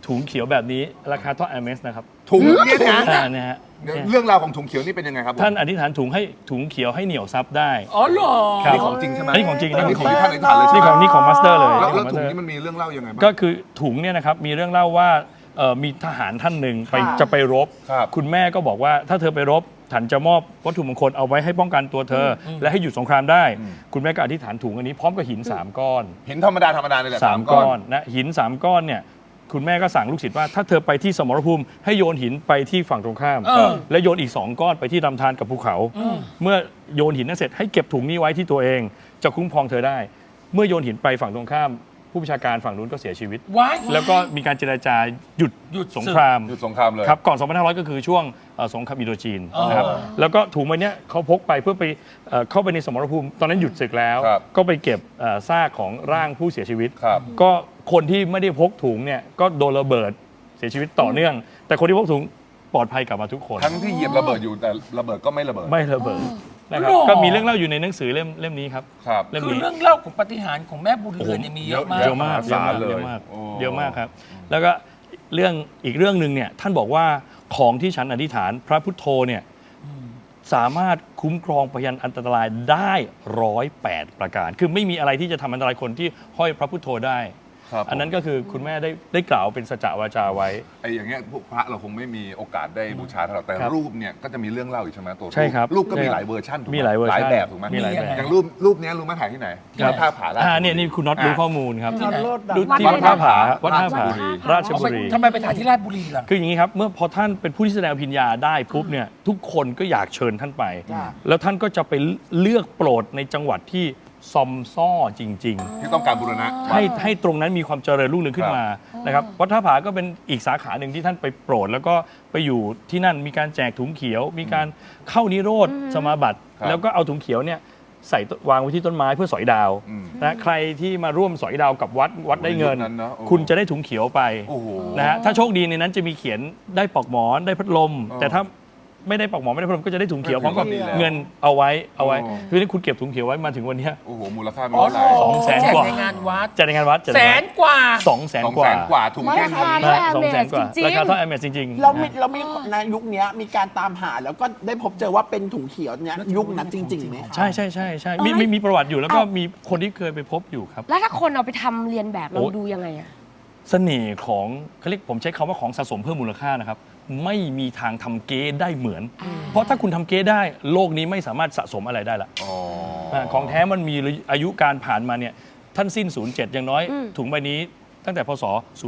F: ถุงเขียวแบบนี้ราคาเท่า Hermes นะครับ
E: ถุงเนี่ยนะ
F: เนี่ยฮะ
E: เดี๋ยวเรื่องราวของถุงเขียวนี่เป็นยังไงครับผม
F: ท่านอธิษฐานถุงเขียวให้เหนียวซับได้
D: อ๋อเหรอ
F: ครับ
E: นี่ของจริงใช่ไหม
F: อันนี้ของจริง
E: อันนี้
F: นี่
E: ข
F: ข
E: อ
F: องง
E: ที่ท่านอธิษฐานเลยใช่ไหม
F: นี่ของมาสเตอร์เลย
E: แล้ว
F: ของ
E: ถุง
F: Master
E: นี้มันมีเรื่องเล่ายังไงบ้าง
F: ก็คือถุงเนี่ยนะครับมีเรื่องเล่าว่ามีทหารท่านหนึ่งไป
B: ค่ะ
F: จะไปรบ
E: ครับ
F: คุณแม่ก็บอกว่าถ้าเธอไปรบฉันจะมอบวัตถุมงคลเอาไว้ให้ป้องกันตัวเธออและให้หยุดสงครามได้ คุณแม่ก็อธิษฐานถุงอันนี้พร้อมกับหิน 3 ก้อน
E: เห็นธรรมดาเลยแหละ
F: 3 ก้อนนะหิน 3 ก้อนเนี่ยคุณแม่ก็สั่งลูกศิษย์ว่าถ้าเธอไปที่สมรภูมิให้โยนหินไปที่ฝั่งตรงข้าม และโยนอีก 2 ก้อนไปที่ลำธารกับภูเขา เมื่อโยนหินนั้นเสร็จให้เก็บถุงนี้ไว้ที่ตัวเองจะคุ้มครองเธอได้ เมื่อโยนหินไปฝั่งตรงข้าม ผู้บัญชาการฝั่งนู้นก็เสียชีวิต
D: ว้าย
F: แล้วก็มีการเจรจาหยุดสงคราม
E: หยุดสงครามเลย
F: ครับก่อน 2500 ก็คือช่วงสงครามอินโดจีนนะครับแล้วก็ถุงใบเนี้ยเขาพกไปเพื่อไปเข้าไปในสมรภูมิตอนนั้นหยุดศึกแล้ว
E: ครับ
F: ก็ไปเก็บซากของร่างผู้เสียชีวิต
E: ครับ
F: ก็คนที่ไม่ได้พกถุงเนี่ยก็โดนระเบิดเสียชีวิตต่อเนื่อง แต่คนที่พกถุงปลอดภัยกลับมาทุกคน
E: ทั้งที่เหยียบระเบิดอยู่แต่ระเบิดก็ไม่ระเบิด
F: ไม่ระเบิดนะครับก็มีเรื่องเล่าอยู่ในหนังสือเล่มนี้ครับ
E: ครับ
F: เล่ม
D: คือ
F: นี้
D: เรื่องเล่าของปาฏิหาริย์ของแม่บุญเรือนเนี่ยมีเยอะมาก
F: เยอะมาก
E: มหาศาลเลย
F: เยอะมาก
E: โอ้
F: เยอะมากครับ แล้วก็อีกเรื่องหนึ่งเนี่ยท่านบอกว่าของที่ฉันอธิษฐานพระพุทโธเนี่ยสามารถคุ้มครองพยันอันตรายได้108 ประการ คือไม่มีอะไรที่จะทำอันตรายคนที่ห้อยพระพุทโธได้
E: ครับ
F: อันนั้นก็คือคุณแม่ได้กล่าวเป็นสัจจวาจาไว้
E: ไอ้อย่างเงี้ยพวกพระเราคงไม่มีโอกาสได้บูชาเท่าไหร่แต่
F: ครับ
E: รูปเนี่ยก็จะมีเรื่องเล่าอยู่ใช่ไหมตัว
F: ใช่ครับ
E: รูปก็มี
F: ใช่ครับ
E: หลายเวอร์ชันถูกไห
F: มีหลายเวอร์ชัน
E: แบบถูกไหม
F: มีหลายแบบ
E: อย่างรูปเนี้ยรู้ไหมถ่ายที่ไหนที่วัดท่าผาราชบุรี
F: เนี่ยนี่คุณน็อตรู้ข้อมูลครับ
B: ที่โลดดัง
F: ดูที่วัดท่าผาวัดท่าผาราชบุรี
D: ทำไมไปถ่ายที่ราชบุรีล่ะ
F: คืออย่างนี้ครับ เมื่อพอท่านเป็นผู้ที่แสดงอภิญญาได้ปุ๊บเนี่ยทุกคนก็อยากเชิญท่านไป
B: จ้ะ
F: แล้วท่านก็จะไปเลือกโปรดในจังหวัดที่ซอมซ่อจริง
E: ที่ต้องการบูรณะ
F: ๆ ให้ตรงนั้นมีความเจริญรุ่งเรืองขึ้นมานะครับวัดท่าผาก็เป็นอีกสาขาหนึ่งที่ท่านไปโปรด แล้วก็ไปอยู่ที่นั่นมีการแจกถุงเขียว มีการเข้านิโรธสมาบัติ
E: ครับ
F: แล้วก็เอาถุงเขียวเนี่ยใส่วางไว้ที่ต้นไม้เพื่อสอยดาว
E: อืม
F: นะใครที่มาร่วมสอยดาวกับวัดได้เงิน
E: ยุคนั้นเนอะโอ้
F: คุณจะได้ถุงเขียวไป
E: โอ้โห
F: นะฮะถ้าโชคดีในนั้นจะมีเขียนได้ปลอกหมอนได้พัดลม
E: อ๋อ
F: แต่ถ้าไม่ได้ปลอกหมอนไม่ได้พัดลมก็จะได้ถุงเขียวพร้อมกับ
E: ดีแล้ว
F: เงินเอาไว้
E: อ๋อ
F: คือนี่คุณเก็บถุงเขียวไว้มาถึงวันเนี้ย
E: โอ้โหมูลค่าไม่
D: อ๋อ
E: เท่าไหร่
F: 200,000 กว่า
D: แจในงานวัด
F: จัดในงานวัด
D: แสนกว่า
F: 200,000 กว่า
E: 200,000 กว่าถุงแค่
B: ไม่
E: นี้
B: ค่ะ
F: นะ200,000 กว่า
C: จริงๆ
F: ราคาเท่าแอมเมสจริงๆ
B: เรา
F: นะ
B: มีในยุคเนี้ยมีการตามหาแล้วก็ได้พบเจอว่าเป็นถุงเขียวเนี้ยยุคนั้นจริงๆไหมคะ
F: ใช่มีประวัติอยู่แล้วก็มีคนที่เคยไปพบอยู่ครับ
C: แล้วถ้าคนเอาไปทำเรียนแบบเรา
F: โอ้
C: ดูยังไงอะ
F: เสน่ห์ของเขาเรียกผมใช้คำว่าของสะสมเพิ่มมูลค่านะครับ ไม่มีทางทำเก๊ได้เหมือน เพราะถ้าคุณทำเก๊ได้โลกนี้ไม่สามารถสะสมอะไรได้ละ
E: อ๋อ
F: ของแท้มันมีอายุการผ่านมาเนี่ยท่านสิ้น 07 อย่างน้อย ถุงใบนี้ตั้งแต่พศ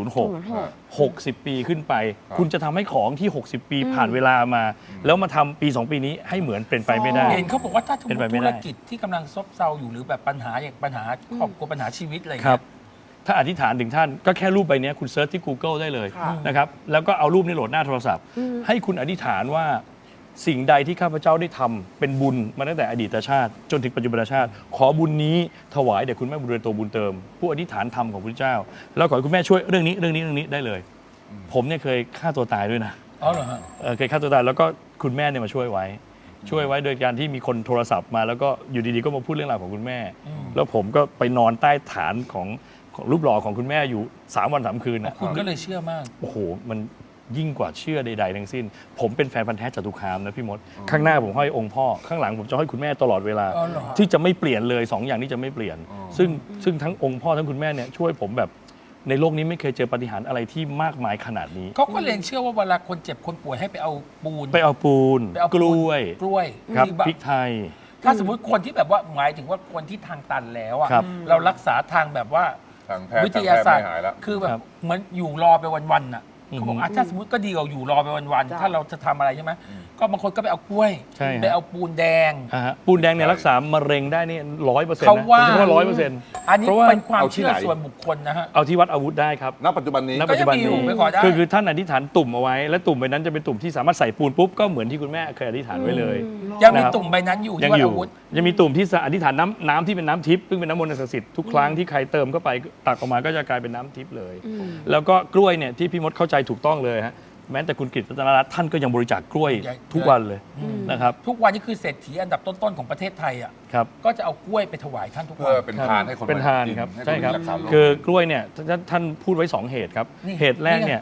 F: 06 60 ปีขึ้นไป คุณจะทำให้ของที่ 60 ปีผ่านเวลามา แล้วมาทำปี 2 ปีนี้ให้เหมือนเป็นไปไม่ได้
D: เห็นเขาบอกว่าถ้า
F: เป็นไปไม่
D: ธุ
F: ได้
D: รกิจที่กำลังซบเซาอยู่หรือแบบปัญหาอย่างปัญหาครอบครัวปัญหาชีวิตอะไร
F: ครั
D: เงี้
F: บ
D: ย
F: ถ้าอธิษฐานถึงท่านก็แค่รูปใบเนี้ยคุณเซิร์ชที่ Google ได้เลย
B: ค่ะ
F: นะครับแล้วก็เอารูปนี้โหลดหน้าโทรศัพท์ ให้คุณอธิษฐานว่าสิ่งใดที่ข้าพเจ้าได้ทำเป็นบุญมาตั้งแต่อดีตชาติ จนถึงปัจจุบันชาติ ขอบุญนี้ถวายแด่คุณแม่บุญเรือนโตบุญเติม ผู้อธิษฐานธรรมของพระเจ้า แล้วขอให้คุณแม่ช่วยเรื่องนี้ได้เลย ผมเนี่ยเคยฆ่าตัวตายด้วยนะ
D: อ๋อเหรอฮะ
F: เคยฆ่าตัวตายแล้วก็คุณแม่เนี่ยมาช่วยไว้โดยการที่มีคนโทรศัพท์มาแล้วก็อยู่ดีๆก็มาพูดเรื่องราวของคุณแม่ แล้วผมก็ไปนอนใต้ฐานของรูปหล่อของคุณแม่อยู่3 วัน 3 คืนนะ
D: คุณก็เลยเชื่อมาก
F: โอ้โหมันยิ่งกว่าเชื่อใดๆทั้งสิ้น ผมเป็นแฟนพันธุ์แท้จตุคามนะพี่มด ข้างหน้าผมห้อยองค์พ่อข้างหลังผมจะห้อยคุณแม่ตลอดเวลา
D: อ๋อเหรอ
F: ที่จะไม่เปลี่ยนเลย2 อย่างนี้จะไม่เปลี่ยน ซึ่งทั้งองค์พ่อทั้งคุณแม่เนี่ยช่วยผมแบบในโลกนี้ไม่เคยเจอปาฏิหาริย์อะไรที่มากมายขนาดนี้
D: เขาก็เลยเชื่อว่าเวลาคนเจ็บคนป่วยให้ไปเอาปูน
F: ไปเอาปูน
D: ไปเอา
F: กล้วย
D: กล้วย
F: ครับ
D: ที่แบบ
F: พริกไทย
D: ถ้าสมมติคนที่แบบว่าหมายถึงว่าคนที่ทางตันแล้วอะ
F: ครับ
D: เรารักษาทางแบบว่า
E: ทางแพทย์
D: วิทยาศาสตร์
E: ไม่หายแล้ว
D: คือแบ
F: ครับ บ
D: เหมือนอยู่รอไปวันๆน่ะ
F: อือฮึ
D: เขาบอกถ้าสมมติก็ดีกว่าอยู่รอไปวันๆ
B: จ้ะ
D: ถ้าเราจะทำอะไรใช่ไหมก็บางคนก็ไปเอากล้วย
F: ใช่ฮะ
D: ไปเอาปูนแดง
F: ปูนแดงเนี่ยรักษามะเร็งได้นี่100%นะ
D: เขาว่า
F: ผมว่า100%
D: อันนี้
F: เพราะว่า
D: เป็นความ
E: เอาที่
D: เชื่อ
E: ไหน
D: ส่วนบุคคลนะฮะ
F: เอาที่วัดอาวุธได้ครับ
E: ณปัจจุบันนี้
F: ณปัจจุบัน
D: ก็ยังมีอยู่
F: นี้
D: ไปขอได้
F: คือท่านอธิษฐานตุ่มเอาไว้ และตุ่มใบนั้นจะเป็นตุ่มที่สามารถใส่ปูนปุ๊บก็เหมือนที่คุณแม่เคยอธิษฐานไว้เลย
D: ยังมี
F: นะครับ
D: ตุ่มใบนั้นอยู่
F: ยัง
D: ที่วัด
F: อยู่
D: อาวุธ
F: ยังมีตุ่มที่อธิษฐานน้ำที่เป็นน้ำทิพย์ซึ่งเป็นน้ำมนต์ศักดิ์สิทธิ์ทุกครั้งที่ใครเติมเข้าไปตักออกมาก็จะกลายเป็นน้ำทิพย์เลย แล้วก็กล้วยเนี่ยที่พี่มดเข้าใจถูกต้องเลยฮะแม้แต่คุณกฤษรัตนรัตน์ท่านก็ยังบริจาคกล้วยทุกวันเลยนะครับ
D: ทุกวันนี้คือเศรษฐีอันดับต้นๆของประเทศไทยอ่ะ
F: ครับ
D: ก็จะเอากล้วยไปถวายท่านทุก
E: เพื่
D: วั
E: อน เป็นทานให้คน
F: เป็นทาน
E: กิ
F: ครับ
E: ให้น
F: ใช่ครับ
E: รักษาโรค
F: คือกล้วยเนี่ยท่านพูดไว้ 2 เหตุครับ
D: นี่
F: เหตุแรกเนี่ย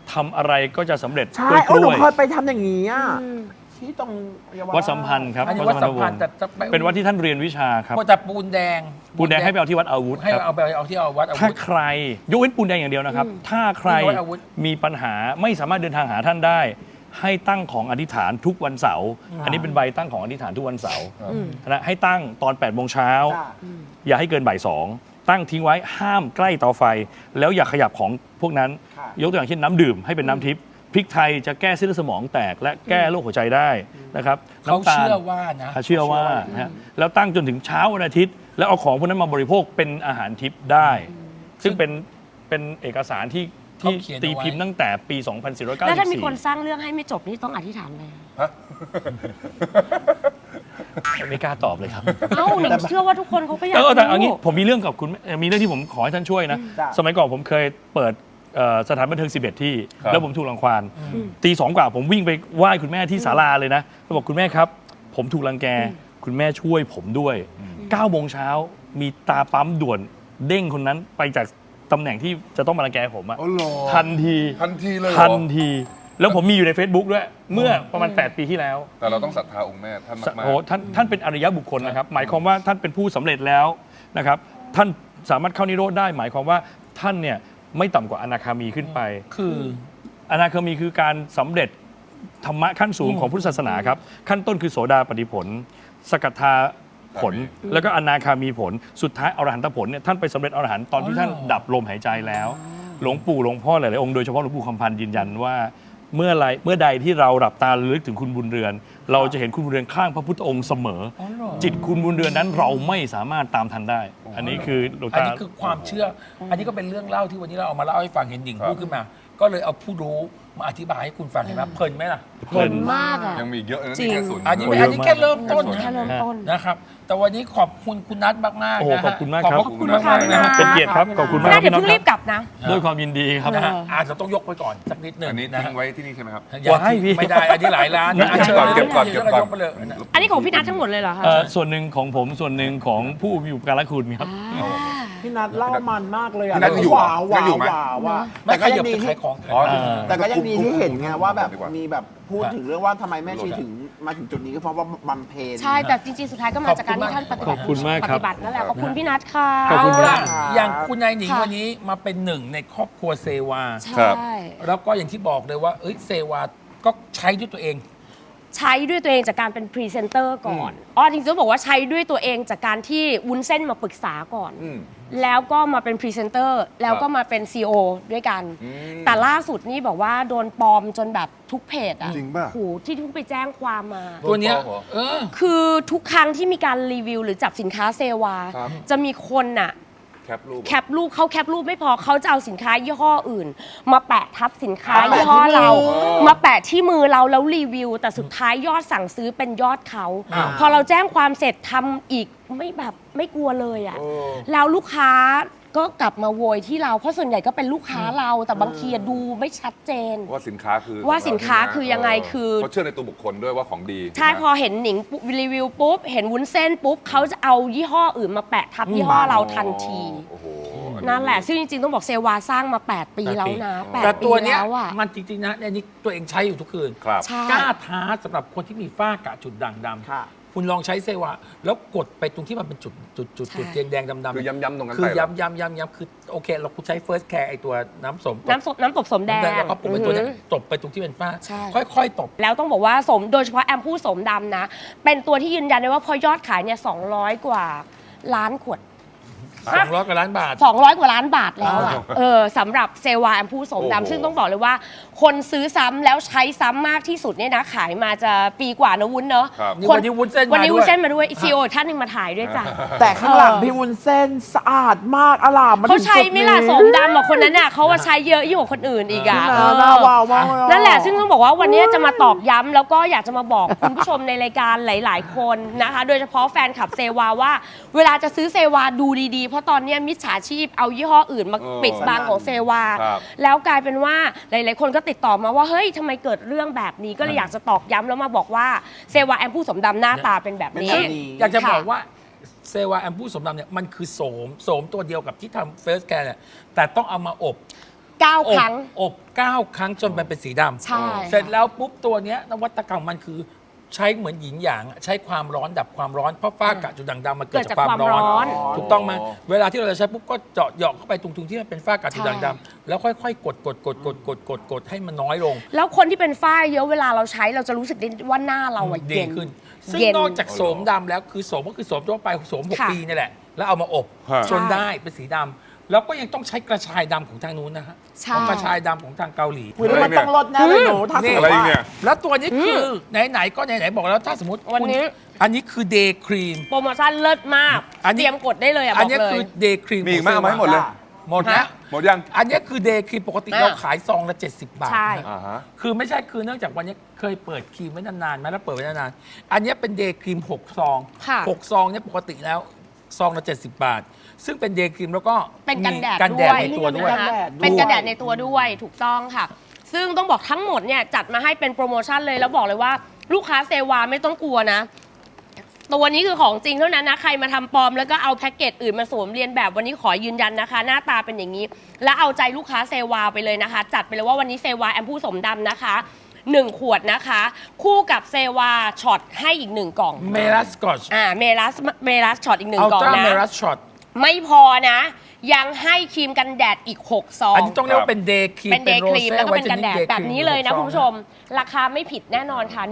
F: ทำอะไรก็จะสำเร็จ
B: ใช่
F: กล้วย
B: โอ้หนู
F: กล้วย
B: เคยไปทำอย่างนี้อ่ะที่ตรงเยาวราช
F: วัดสัมพันธ์ครับ
D: อันนี้วัดสัมพันธ์แต่จะ
F: เป็นวัดที่ท่านเรียนวิชาครับ
D: แต่ปูนแดง
F: ปูนแดงให้ไปเอาที่วัดอาวุธ
D: ให้
F: ครับ
D: เอาไปเอาที่เอาวัดอา
F: ถ้า
D: วุธ
F: ใครยกเว้นปูนแดงอย่างเดียวนะครับ ถ้าใคร
D: วัดอาวุธ
F: มีปัญหาไม่สามารถเดินทางหาท่านได้ ให้ตั้งของอธิษฐานทุกวันเสาร์อันนี้เป็นใบตั้งของอธิษฐานทุกวันเสาร์นะให้ตั้งตอน8 โมงเช้า
B: จ้ะ
F: อย่าให้เกินบ่ายสองตั้งทิ้งไว้ห้ามใกล้เตาไฟ แล้วอย่าขยับของพวกนั้น
B: ค่ะ
F: ยกตัวอย่างเช่นน้ำดื่มให้เป็นน้ำทิพย์พริกไทยจะแก้เส้นเลือดสมองแตกและแก้โรคหัวใจได้นะครับ
D: เขา
F: น้ำตาล
D: เชื่อว่านะ
F: เชื่อว่านะฮะแล้วตั้งจนถึงเช้าวันอาทิตย์ แล้วเอาของพวกนั้นมาบริโภคเป็นอาหารทิพย์ได้ ซึ่งเป็นเอกสารที่
D: เขาเขียนเอาไว้
F: ตีพิมพ์ตั้งแต่ปี
C: แล้วถ้ามีคน
F: 2494
C: สร้างเรื่องให้ไม่จบนี่ต้องอธิษฐานเลย
F: ไม่กล้าตอบเลยครับ
C: เอ้าหนิงเชื่อว่าทุกคนเขาก็อยาก
F: แต่เอางี้
C: รู้
F: ผมมีเรื่องกับคุณมีเรื่องที่ผมขอให้ท่านช่วยนะ
B: จ้ะ
F: สมัยก่อนผมเคยเปิดสถานบันเทิง11 ที่
E: ครับ
F: แล้วผมถูกรังควานตีสองกว่าผมวิ่งไปไหว้คุณแม่ที่ศาลาเลยนะแล้วบอกคุณแม่ครับ ผมถูกรังแกคุณแม่ช่วยผมด้วย9 โมงเช้ามีตาปั๊มด่วนเด้งคนนั้นไปจากตำแหน่งที่จะต้องมารังแกผมอะ
E: อ๋อเหรอ
F: ทันที
E: ทันทีเลยเหรอ
F: ทันที แล้วผมมีอยู่ใน Facebook ด้วย เมื่อประมาณ 8 ปีที่แล้ว
E: แต่เราต้องศรัทธาองค์แม่ท่านมาก
F: โอ้ท่านเป็นอริยบุคคลนะครับ หมายความว่าท่านเป็นผู้สำเร็จแล้วนะครับ ท่านสามารถเข้านิโรธได้ หมายความว่าท่านเนี่ยไม่ต่ำกว่าอนาคามีขึ้นไป
D: คือ
F: อนาคามีคือการสำเร็จธรรมะขั้นสูงของพุทธศาสนาครับ ขั้นต้นคือโสดาปัตติผล สกทาผล แล้วก็อนาคามีผล สุดท้ายอรหันตผลเนี่ยท่านไปสำเร็จอรหันต์ตอนที่ท่านดับลมหายใจแล้ว หลวงปู่หลวงพ่อหลายๆองค์โดยเฉพาะหลวงปู่คำพันธ์ยืนยันว่า เมื่อใดที่เราหลับตาระลึกถึงคุณบุญเรือน เราจะเห็นคุณบุญเรือนข้างพระพุทธองค์เสมอ จิตคุณบุญเรือนนั้นเราไม่สามารถตามทันได้ อันนี้คือหลวง
D: อัน
F: ตา
D: นี้คือความเชื่อ อันนี้ก็เป็นเรื่องเล่าที่วันนี้เราเอามาเล่าให้ฟังเห็นหนิงพูดขึ้นมา ก็เลยเอาผู้รู้มาอธิบายให้คุณฟังเห็นไหมเพลินไหมล่ะ
F: เพลิน
C: มากอ่ะ
E: ยังมีอีกเยอะเลยนะ
C: จริง
E: นี่แค่ส่วน
D: อันนี้
E: หง
D: อันนี้แค่เริ่มต้น
C: แค่เริ่มต้น
D: นะครับ แต่วันนี้ขอบคุณคุณนัทมากๆ
F: โอ้โห
D: นะฮะ
F: ขอบคุณมากครับ
D: ขอบคุณมากๆนะฮะ
F: เป็นเกียรติครับ ขอบคุณมาก
C: น่า
F: ค
C: จะ
F: รับ
C: เพิ่งรีบกลับนะ
F: ด้วยความยินดีครับ
D: นะฮะอาจจะต้องยกไปก่อนสักนิดหนึ่ง
E: อันนี้
D: นะ
E: ทิ้
D: ฮะ
E: งไว้ที่นี่ใช่ไหมครับ
D: อย่าทิ้งไม่ได้ อันนี้หลายล้านนะ
E: เก็บก่อนเก็บก่อนเก็บก่อน
D: ยไปเลย
C: อันนี้ของพี่นัททั้งหมดเลยเหรอคะ
F: ส่วนหนึ่งของผมส่วนหนึ่งของผู้มีอุปการะคุณครับ
B: พี่นัทเล่ามันมากเลยอ่ะ
E: พี่นัทยังอยู่
B: ว้าว
E: ยั
B: ว้าง
E: อยู่
B: ว
E: ไหม
B: ว้าวว่า
D: ไม่
B: แต่
D: ข
B: ก็
D: ยั
B: ยั
D: บ
B: งดี
D: จะ
B: ที่
D: ขายของ
E: อ๋อ
B: แต่ก็ยังดีที่เห็นไงว่าแบบ
E: ดีกว่า
B: มีแบบพูดถึงเรื่องว่าทำไมแม่ชีถึงมาถึงจุดนี้ก็เพราะว่าบำเพ็ญ
C: ใช่ แต่จริงๆ สุดท้ายก็มาจากการที่ท่านปฏิบัติ
F: ขอบคุณมากครับ
C: ปฏิบัตินั่นแหละขอบคุณพี่นัทค่ะ
F: ขอบคุณ
D: เอา
F: ครั
D: ล่ะ
F: บ
D: อย่างคุณนายหนิง
C: ค่ะ
D: วันนี้มาเป็นหนึ่งในครอบครัวเซวา
C: ใช่
E: ครับ
D: แล้วก็อย่างที่บอกเลยว่าเอ้ยเซวาก็ใช้ด้วยตัวเอง
C: ใช้ด้วยตัวเองจากการเป็นพรีเซนเตอร์ก่อนอ๋อจริงๆต้องบอกว่าใช้ด้วยตัวเองจากการที่วุ้นเส้นมาปรึกษาก่อน
E: อืม
C: แล้วก็มาเป็นพรีเซนเตอร์แล้วก็มาเป็น CEO ด้วยกัน
E: อืม
C: แต่ล่าสุดนี่บอกว่าโดนปลอมจนแบบทุกเพจอะ
E: จริงป่ะ
C: โหที่ทุกไปแจ้งความมา
D: ตัวเนี้ย
E: โดนปลอมเหรอ
D: เออ
C: คือทุกครั้งที่มีการรีวิวหรือจับสินค้าเซวา
E: ครับ
C: จะมีคนน่ะ
E: แคปรูป
C: แคปรูปเขาแคปรูปไม่พอเขาจะเอาสินค้ายี่ห้ออื่น มาแปะทับสินค้า
B: มาแปะ
C: ยี่ห้อ
B: ที่มือ
C: เรา มาแปะที่มือเราแล้วรีวิว แต่สุดท้ายยอดสั่งซื้อเป็นยอดเขา
D: อ่า
C: พอเราแจ้งความเสร็จทำอีกไม่กลัวเลยอ่ะ
E: เออ
C: แล้วลูกค้าก็กลับมาโวยที่เราเพราะส่วนใหญ่ก็เป็นลูกค้าเราแต่บางทีดูไม่ชัดเจน
E: ว่าสินค้าคือ
C: ว่าสินค้า
E: ขงเร
C: คือยังไงคือ
E: เขาเชื่อในตัวบุคคลด้วยว่าของดี
C: ใช่
E: ไหม
C: พอเห็นหนิงปุ๊บรีวิวปุ๊บเห็นวุ้นเส้นปุ๊บเขาจะเอายี่ห้ออื่นมาแปะทับยี่ห้อเราทันที
E: โอ้โห
C: นั่นแหละ ซึ่งจริงๆ ต้องบอกเซวาสร้างมา 8 ปีแล้วนะ
D: แต่
C: 8 ปี
D: ตัวเนี้ย
C: แล้วอ่ะ
D: มันจริงๆนะอันนี้ตัวเองใช้อยู่ทุกคืน
E: ครับ
C: ใช่
D: กล้าท้าสำหรับคนที่มีฝ้ากระจุดด่างด
B: ค่ะ
D: ำคุณลองใช้เซวาแล้วกดไปตรงที่มันเป็นจุดแดงๆดำๆ
E: คือย้ำๆตรงนั้น
D: คือ
E: ไปเหรอ
D: ย้ำคือโอเค เราคุณใช้ First Care ไอตัวน้ำสม
C: น้ำตบสมแดง
D: แล้วก็ปลุกไปตัวเนี้ย
C: อือหือ
D: ตบไปตรงที่เป็นฝ้า
C: ใช่
D: ค่อยๆตบ
C: แล้วต้องบอกว่าสมโดยเฉพาะแอมพูสมดำนะ เป็นตัวที่ยืนยันได้ว่าพอยอดขายเนี่ย200 กว่าล้านขวด
D: 200 กว่าล้านบาท
C: 200 กว่าล้านบาทแล้วอ่ะสำหรับเซวาแอมพูสม
E: โอ้โห
C: ดำซึ่งต้องบอกเลยว่า คนซื้อซ้ำแล้วใช้ซ้ำมากที่สุดเนี่ยนะขายมาจะปีกว่านะวุ้นเนาะ
E: ครับ
D: นี่วันนี้วุ้นเส้นมา
C: วันนี้
D: ด้วย
C: วุ้นเส้นมาด้วยซีโอท่านหนึงมาถ่ายด้วยจ้ะ
B: แต่ข้างหลังพี่วุ้นเส้นสะอาดมากอลามมา
C: เขา
B: ถึง
C: ใช้
B: จุด
C: ไหม่
B: นี้
C: ล่ะสมดำอ่ะคนนั้นน่ะเขาว่าใช้เยอะยิ่งกว่าคนอื่นอีกอ่ะ
B: น่าว้าวมากเลยอ่
C: นั่นแหละซึ่งต้องบอกว่าวันนี้จะมาตอกย้ำแล้วก็อยากจะมาบอก คุณผู้ชมในรายการหลาย ๆ คนนะคะ โดยเฉพาะแฟนคลับเซวาว่า เวลาจะซื้อเซวาดูดีๆ เพราะตอนนี้มิจฉาชีพเอายี่ห้ออื่นมาปิดบังของเซวา
E: ครับ
C: แล้วกลายเป็นว่าหลาย ๆ คนก็ติดต่อมาว่าเฮ้ยทำไมเกิดเรื่องแบบนี้ก็เลยอยากจะตอกย้ำแล้วมาบอกว่าเซวาแอมพูสมดำหน้าตาเป็นแบบนี้
B: เป็นแบบนี้
D: อยากจะบอก
C: ค่ะ
D: ว่าเซวาแอมพูสมดำเนี่ยมันคือโสมตัวเดียวกับที่ทำเฟสแกนเนี่ยแต่ต้องเอามาอบ
C: 9 ครั้ง
D: อบ9 ครั้งจนมันเป็นสีดำ
C: ใช่
D: เสร็จแล้วปุ๊บตัวเนี้ยนวัตกรรมมันคือใช้เหมือนหยินหยางอะใช้ความร้อนดับความร้อนเพราะฝ้ากระจุดด่างดำมันเกิดจากความร้อน
C: เกิดจากความร้อน
D: ถูกต้องไหมเวลาที่เราจะใช้ปุ๊บก็เจาะเหยาะเข้าไปตรงที่มันเป็นฝ้ากระจุดด่างดำแล้วค่อยๆกดให้มันน้อยลง
C: แล้วคนที่เป็นฝ้าเยอะเวลาเราใช้เราจะรู้สึกได้ว่าหน้าเราอะ
D: ดี
C: เย็น
D: ขึ้น ซึ่ง
C: เย็น
D: นอกจากโสมดำแล้วคือโสมก็คือโสมทั่วไปโสม
C: ค่ะ
D: 6 ปีนี่แหละ แล้วเอามาอบ
E: ฮะ
D: จนได้เป็นสีดำแล้วก็ยังต้องใช้กระชายดำของทางนู้นนะฮะ
C: ใช่
D: ต้องกระชายดำของทางเกาหลี
B: คุณมันต้องลดแน่เลยหนูถ้าสมม
E: อะไร
B: ติ
E: อีกเนี่
B: ว่า
E: ย
D: แล้วตัวนี้คือไหนๆก็ไหนๆบอกแล้วถ้าสมมติ
C: วันนี้
D: อันนี้คือเดย์ครีม
C: โปรโมชั่นเลิศมาก
D: อันนี้
C: เตรียมกดได้เลยอะบ
D: อัน
C: อก
D: นี้
C: เล
D: คื
C: ย
D: อเดย์ครีม
E: มีอีกไหมเอามาให้หมดเลย
D: หมดแล้ว
E: หมดยัง
D: อันนี้คือเดย์ครีมปกติ
C: อ่ะ
D: เราขายซองละ70 บาท
C: ใช่
D: นะ
E: อ่าฮะ
D: คือไม่ใช่คือเนื่องจากวันนี้เคยเปิดครีมไว้นานๆไหมแล้วเปิดไว้นานๆอันนี้เป็นเดย์ครีม6 ซอง
C: ค่ะ
D: 6 ซองเนี่ยปกติแล้วซองละ70 บาท ซึ่งเป็นเดย์ครีมแล้วก็
C: เป็นกันแดด
D: กันแดดในตัวด้วย
C: นะคะเป็นกันแดดในตัวด้วยถูกต้องค่ะ ซึ่งต้องบอกทั้งหมดเนี่ยจัดมาให้เป็นโปรโมชั่นเลยแล้วบอกเลยว่าลูกค้าเซวาไม่ต้องกลัวนะ ตัวนี้คือของจริงเท่านั้นนะ ใครมาทำปลอมแล้วก็เอาแพ็กเกจอื่นมาสวมเรียนแบบวันนี้ขอยืนยันนะคะ หน้าตาเป็นอย่างนี้ แล้วเอาใจลูกค้าเซวาไปเลยนะคะ จัดไปเลยว่าวันนี้เซวาแอมพูสมดำนะคะ 1 ขวดนะคะ คู่กับเซวาช็อตให้อีก 1 กล่อง
D: เมลัสกอช
C: เมลัสช็อตอีก
D: อัล
C: 1 กล่อง
D: ตร้า
C: นะ
D: เมลัสช็อต
C: ไม่พอนะ ยังให้ครีมกันแดดอีก 6 ซอง
D: อันนี้ต้องเรียกว่าเป็นเดย์ครีม
C: เป็นเดย์ครีมแล้วก็เป็นกันแดด
D: Rosé
C: แบบนี้เลยนะ
D: Whitening
C: คุณผู้ชม ราคาไม่ผิดแน่นอนค่ะ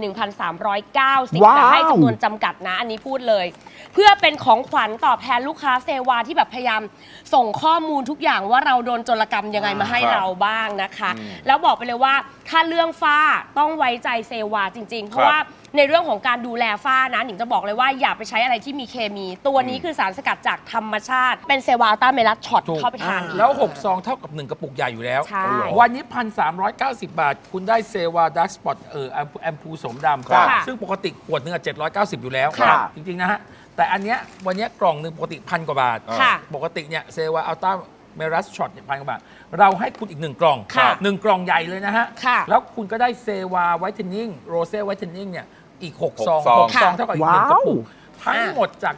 C: 1,390
B: ว้าว
C: แต่ให้จำนวนจำกัดนะ อันนี้พูดเลย เพื่อเป็นของขวัญตอบแทนลูกค้าเซวาที่แบบพยายามส่งข้อมูลทุกอย่างว่าเราโดนโจรกรรมยังไงมาให้
E: ครับ
C: เราบ้างนะคะ แล้วบอกไปเลยว่าถ้าเรื่องฝ้าต้องไว้ใจเซวาจริง ๆ เพราะว่าในเรื่องของการดูแลฝ้านะหนิงจะบอกเลยว่าอย่าไปใช้อะไรที่มีเคมี ตัวนี้คือสารสกัดจากธรรมชาติ เป็นเซวาอัลต้าเมลัสช็อต
D: ถูก
C: เข้าไปทานอีก
D: แล้ว 6 ซองเท่ากับ 1 กระปุกใหญ่อยู่แล้ว
C: ใช่
D: วันนี้ 1,390 บาท คุณได้เซวาดักสปอตแอมพูสมดำ
B: ครับ
D: ซึ่งปกติขวดหนึงอะ790 อยู่แล้ว
B: ครับ
D: จริง ๆ นะฮะ แต่อันเนี้ยวันเนี้ยกล่องหนึ่งปกติ 1,000 กว่าบาท
C: ค่ะ
D: ปกติเนี่ยเซวาอัลต้าเมลัสช็อตเนี่ย1,000 กว่าบาท เราให้คุณอีก 1 กล่อง
C: ค่ะ
D: 1 กล่องใหญ่เลยนะฮะ
C: ค่ะ
D: แล้วคุณก็ได้เซวาไวท์เทนนิ่งโรเซ่ไวท์เทนนิ่งเนี่ยอีก 6 ซอง
E: ซอง
D: 6 ซองเท่ากับอีก 1 กระปุก
B: ว้าว
D: ทั้งหมดจาก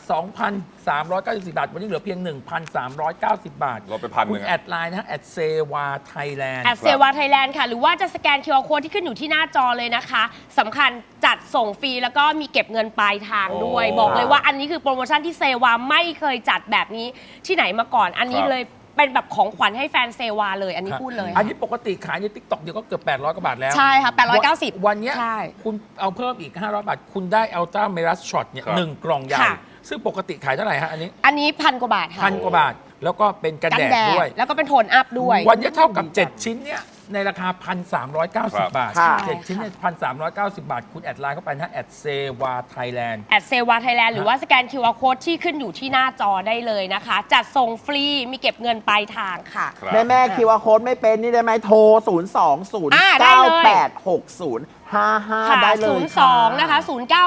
D: 2,394 บาท วันนี้เหลือเพียง 1,390 บาท
E: ลดไป1,000
D: คุณ
E: นึงอะ
D: แอดไลน์นะฮะแอดเซวาไทยแลนด์
C: แอดเซวาไทยแลนด์ค่ะ หรือว่าจะสแกน QR Code ที่ขึ้นอยู่ที่หน้าจอเลยนะคะสำคัญจัดส่งฟรีแล้วก็มีเก็บเงินปลายทางด้วย
E: โอ้
C: บอกเลยว่าอันนี้คือโปรโมชั่นที่เซวาไม่เคยจัดแบบนี้ที่ไหนมาก่อน อันนี้
E: ครับ
C: เลยเป็นแบบของขวัญให้แฟนเซวาเลยอันนี้พูดเลย
D: อันนี้ปกติขายใน TikTok เดียวก็เกือบ800 กว่าบาทแล้ว
C: ใช่ค่ะ890
D: วันเนี้ย
C: ใช่
D: คุณเอาเพิ่มอีก 500 บาท คุณได้อัลต้าเมลัสช็อตเนี่ย
E: ครับ
D: 1 กล่องใหญ่
C: ค่ะ
D: ซึ่งปกติขายเท่าไหร่ฮะอันนี้
C: อันนี้1,000 กว่าบาทค่ะ
D: 1,000 กว่าบาท แล้วก็เป็นกันแดดด้วย
C: แล้วก็เป็นโทนอัพด้วย
D: วันนี้เท่ากับ 7 ชิ้นเนี่ยในราคา 1,390 บาท
B: ค่ะ
D: 7 ชิ้นเนี่ย1,390 บาท คุณแอดไลน์เข้าไปนะฮะแอดเซวาไทยแลนด์
C: แอดเซวาไทยแลนด์หรือว่าสแกน QR Code ที่ขึ้นอยู่ที่หน้าจอได้เลยนะคะ จัดส่งฟรีมีเก็บเงินปลายทางค่ะ
E: ครับ
B: แม่คิวอาร์โค้ดไม่เป็นนี่ได้ไหมโทร 0 2 0
C: ได้
B: 9
C: เลย
B: 8 6 0 5
C: ค่ะ
B: 5 ได้เลย
C: 02 นะคะ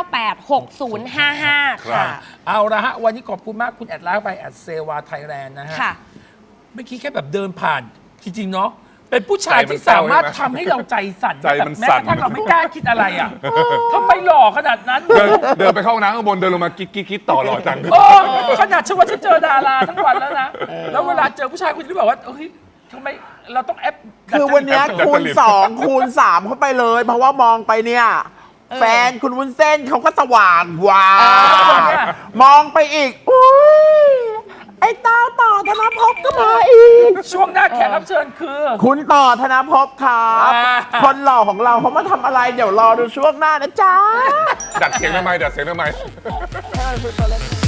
C: 098 6055 ค่ะ
D: เอาละฮะ วันนี้ขอบคุณมากคุณแอดไลน์ไปแอดเซวาไทยแลนด์นะฮะ
C: ค่ะ
D: เมื่อกี้แค่แบบเดินผ่าน จริง ๆ เนาะเป็นผู้ชาย
E: ใจมัน
D: ที่สามารถ
E: เศร้าใช่ไหม
D: ทำให้เราใจสั่น
E: ใจมัน
D: แบบแม้
E: สั่
D: ก
E: น
D: ระทั่งเราไม่กล้าคิดอะไรอ่ะทำไมหล่อขนาดนั้น
E: เดินไปเข้าห้องน้ำข้างบนเดินลงมากิ๊กต่อหล่อจัง
D: โอ้ขนาดฉันว่าฉันเจอดาราทั้งวันแล้วนะ แล้วเวลาเจอผู้ชายคนนี้แบบว่าเฮ้ยทำไมเราต้องแอป
B: คือวันเนี้ย
E: ดัดจริต
B: คูณ 2 คูณ 3 เข้าไปเลย เพราะว่ามองไปเนี่ย แฟนคุณวุ้นเส้นเขาก็สว่างว้า
D: เนี่ย
B: มองไปอีกอุ้ยไอ้เต้าต่อธนภพก็มาอีก
D: ช่วงหน้าแขกรับเชิญคือ
B: คุณต่อธนภพครับ
D: อ่า
B: คนหล่อของเราเขามาทำอะไร เดี๋ยวรอดูช่วงหน้านะจ๊ะ
E: ดัดเสียงทำไม